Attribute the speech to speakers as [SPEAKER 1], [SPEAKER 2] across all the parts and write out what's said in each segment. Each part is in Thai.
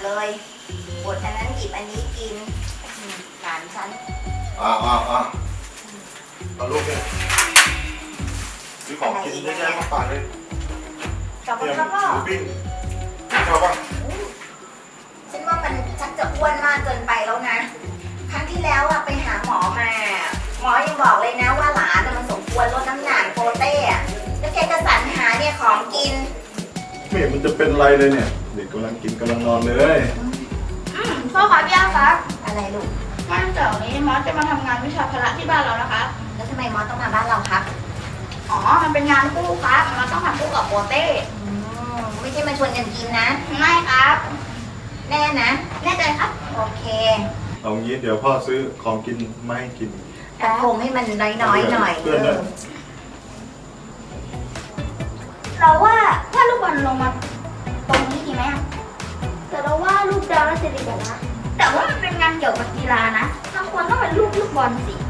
[SPEAKER 1] เลยบดอันนั้นหยิบอันนี้กินหลานฉัน
[SPEAKER 2] เอาลูกเนี่ยซื้อของกินเยอะแยะมาฝากเลย
[SPEAKER 1] ขอบคุณครับพ่อ
[SPEAKER 2] หมูปิ้งชอบป่ะ
[SPEAKER 1] ฉันว่ามันชักจะอ้วนมากเกินไปแล้วนะครั้งที่แล้วอะไปหาหมอมาหมอยังบอกเลยนะว่าหลานมันสมควรลดน้ำหนักโปเต้อะแล้วแกก็สรรหาเนี่ยของกิน
[SPEAKER 2] ไม่เห็นมันจะเป็นไรเลยเนี่ยเด็กกำลังกินกำลังนอนเลย
[SPEAKER 3] พ่อครับย่าครับ
[SPEAKER 1] อะไรลูก
[SPEAKER 3] วันเสาร์นี้มอสจะมาทำงานวิชาพละที่บ้านเรานะคะ
[SPEAKER 1] แล้วทำไมมอสต้องมาบ้านเราครับ
[SPEAKER 3] อ๋อ มันเป็นงานคู่ครับมอสต้องทำคู่กับโปเต้
[SPEAKER 1] ไม่ใช่มาชวนกันกินนะ
[SPEAKER 3] ไม่ครับ
[SPEAKER 1] แน่นะ
[SPEAKER 3] แน่ใจครับ
[SPEAKER 1] โอเค
[SPEAKER 2] เอางี้เดี๋ยวพ่อซื้อของกินมาให้กิน
[SPEAKER 1] แต่คงให้มันน้อยๆหน่อย
[SPEAKER 2] เพื่อนนะ
[SPEAKER 3] เราว่าถ้าลูกบอลลงมาตรงนี้ดีไหมอะแต่เราว่าลูกดาวน่าจะดีกว่านะแต่ว่ามันเป็นงานเกี่ยวกับกีฬานะเราควรต้องเป็นลูกบอลสิ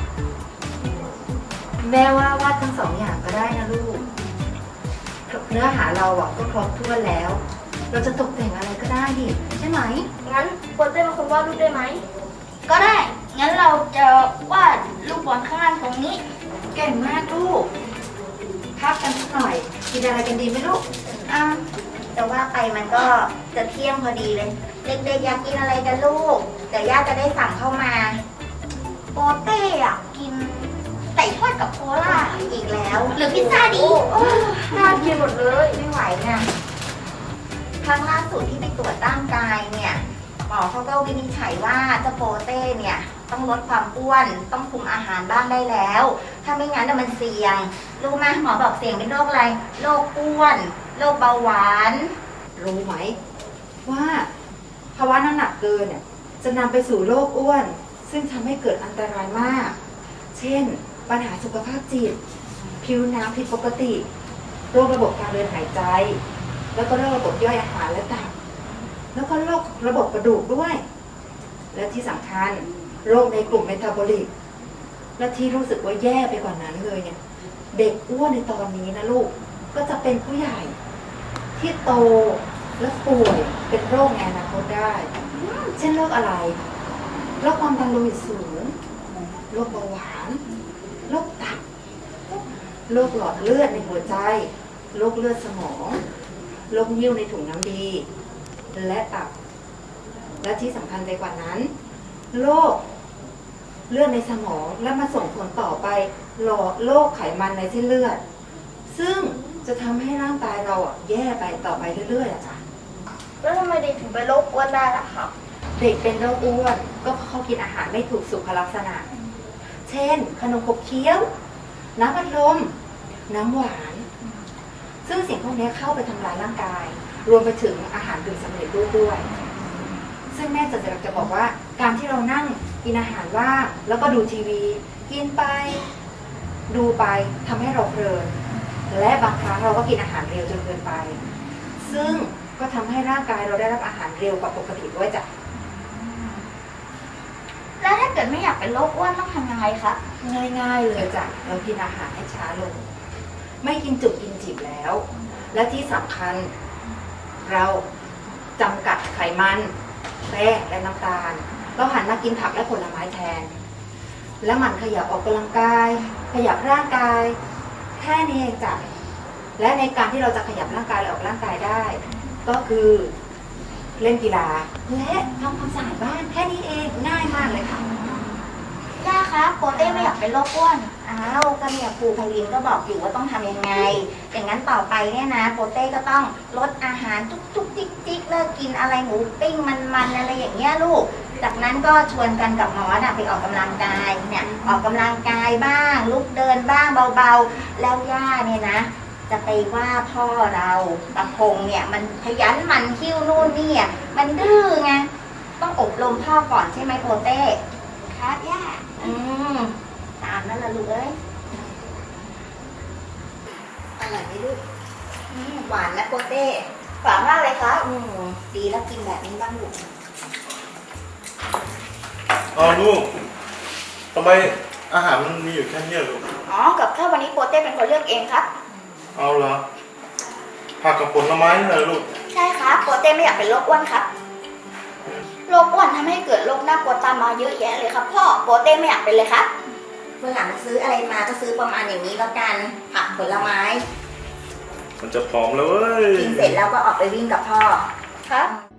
[SPEAKER 1] แม่ว่าวาดทั้งสองอย่างก็ได้นะลูก เนื้อหาเราอ่ะก็ครบถ้วนแล้ว เราจะตกแต่งอะไรก็ได้ดิใช่ไหม
[SPEAKER 3] งั้นโปเต้เป็นคนวาดรูปได้ไหม ก็ได้ งั้นเราจะวาดลูกบอลข้างล่างตรงนี้
[SPEAKER 1] เก่งมากลูกพักกันสักหน่อยกินอะไรกันดีไหมลูก แต่ว่าไปมันก็จะเที่ยงพอดีเลย เด็กๆอยากกินอะไรกันลูกเดี๋ยวย่าจะได้สั่งเข้ามา
[SPEAKER 3] โปเต้อะกินไก่ทอดกับโคลา
[SPEAKER 1] อีกแล้ว
[SPEAKER 3] หรือพิซซ่าดีน่ากินหมดเลย
[SPEAKER 1] ไม่ไหวนะครั้งล่าสุดที่ไปตรวจร่างกายเนี่ยหมอเขาก็วินิจฉัยว่าเจ้าโปเต้เนี่ยต้องลดความอ้วนต้องคุมอาหารบ้างได้แล้ว ถ้าไม่งั้นน่ะมันเสี่ยงรู้ไหมหมอบอกเสี่ยงเป็นโรคอะไรโรคอ้วนโรคเบาหวานรู้ไหมว่าภาวะน้ำหนักเกินเนี่ยจะนำไปสู่โรคอ้วนซึ่งทำให้เกิดอันตรายมาก เช่นปัญหาสุขภาพจิตผิวหนังผิดปกติโรคระบบการเดินหายใจ แล้วก็โรคระบบย่อยอาหารและตับแล้วก็โรคระบบกระดูกด้วยและที่สำคัญโรคในกลุ่มเมตาบอลิกและที่รู้สึกว่าแย่ไปกว่านั้นเลยเนี่ยเด็กอ้วนในตอนนี้นะลูกก็จะเป็นผู้ใหญ่ที่โตและป่วยเป็นโรคในอนาคตได้เช่นโรคอะไรโรคความดันโลหิตสูงโรคเบาหวานโรคตับโรคหลอดเลือดในหัวใจโรคเลือดสมองโรคนิ่วในถุงน้ำดีและตับและที่สำคัญไปกว่านั้นโรคเลือดในสมองและมาส่งผลต่อไปโรคไขมันในเส้นเลือดซึ่งจะทำให้ร่างกายเราแย่ไปต่อไปเรื่อยๆจ้ะ
[SPEAKER 3] แล้วทำไมเด็กถึงเป็นโรคอ้วนได้ล่ะครับ
[SPEAKER 1] เด็กเป็นโรคอ้วนก็เพราะเขากินอาหารไม่ถูกสุขลักษณะเช่นขนมขบเคี้ยวน้ำอัดลมน้ำหวานซึ่งสิ่งพวกนี้เข้าไปทำลายร่างกายรวมไปถึงอาหารกึ่งสำเร็จรูปด้วยซึ่งแม่จะบอกว่าการที่เรานั่งกินอาหารว่างแล้วก็ดูทีวีกินไปดูไปทำให้เราเพลินและบางครั้งเราก็กินอาหารเร็วจนเกินไปซึ่งก็ทำให้ร่างกายเราได้รับอาหารเร็วกว่าปกติด้วยจ้ะ
[SPEAKER 3] แล้วถ้าเกิดไม่อยากเป็นโรคอ้วนต้องทำยังไงครับ
[SPEAKER 1] ง่ายๆเลยจ้ะเรากินอาหารให้ช้าลงไม่กินจุกกินจิบแล้ว และที่สำคัญเราจำกัดไขมันแป้งและน้ำตาลเราหันมากินผักและผลไม้แทนและมันขยับออกกำลังกายขยับร่างกายแค่นี้เองจ้ะและในการที่เราจะขยับร่างกายและออกร่างกายได้ ก็คือเล่นกีฬาและทำความสะอาดบ้านแค่นี้เองง่ายมากเลยค่ะ
[SPEAKER 3] ย่าครับโปเต้ไม่อยากเป็นโรคอ้วน
[SPEAKER 1] อ้าวก็เนี่ยครูไพลินก็บอกอยู่ว่าต้องทำยังไงอย่างนั้นต่อไปเนี่ยนะโปเต้ก็ต้องลดอาหารจุกๆจิกๆเลิกกินอะไรหมูปิ้งมันๆอะไรอย่างเงี้ยลูกจากนั้นก็ชวนกันกับหมอไปออกกำลังกายเนี่ยออกกำลังกายบ้างลุกเดินบ้างเบาๆแล้วย่าเนี่ยนะจะไปว่าพ่อเราตะพงเนี่ยมันขยันหมั่นคิ้วนู่นนี่อ่ะมันดื้อไงต้องอบรมพ่อก่อนใช่ไหมโปเต้
[SPEAKER 3] ครับย่า
[SPEAKER 1] ตามนั่นละลูกเอ้ยอร่อยไหมลูกหวานนะโปเต้
[SPEAKER 3] ฝากมากเลยครับ
[SPEAKER 1] ดีแล้วกินแบบนี้บ้างลูก
[SPEAKER 2] อ๋อลูกทำไมอาหารมันมีอยู่แค่นี้ลูก
[SPEAKER 3] อ๋อ กับข้าววันนี้โปเต้เป็นคนเลือกเองครับ
[SPEAKER 2] เอาละผักกับผลไม้นี่แหละลูก
[SPEAKER 3] ใช่ครับโปเต้ไม่อยากเป็นโรคอ้วนครับบอลทำให้เกิดโรคน่ากลัวตามมาเยอะแยะเลยครับพ่อโปเต้ไม่อยากเป็นเลยครับ
[SPEAKER 1] วันหลังซื้ออะไรมาก็ซื้อประมาณอย่างนี้แล้วกัน ผักผลไม้
[SPEAKER 2] มันจะผอมแล้วเว้ย
[SPEAKER 1] กินเสร็จแล้วก็ออกไปวิ่งกับพ่อ
[SPEAKER 3] ครับ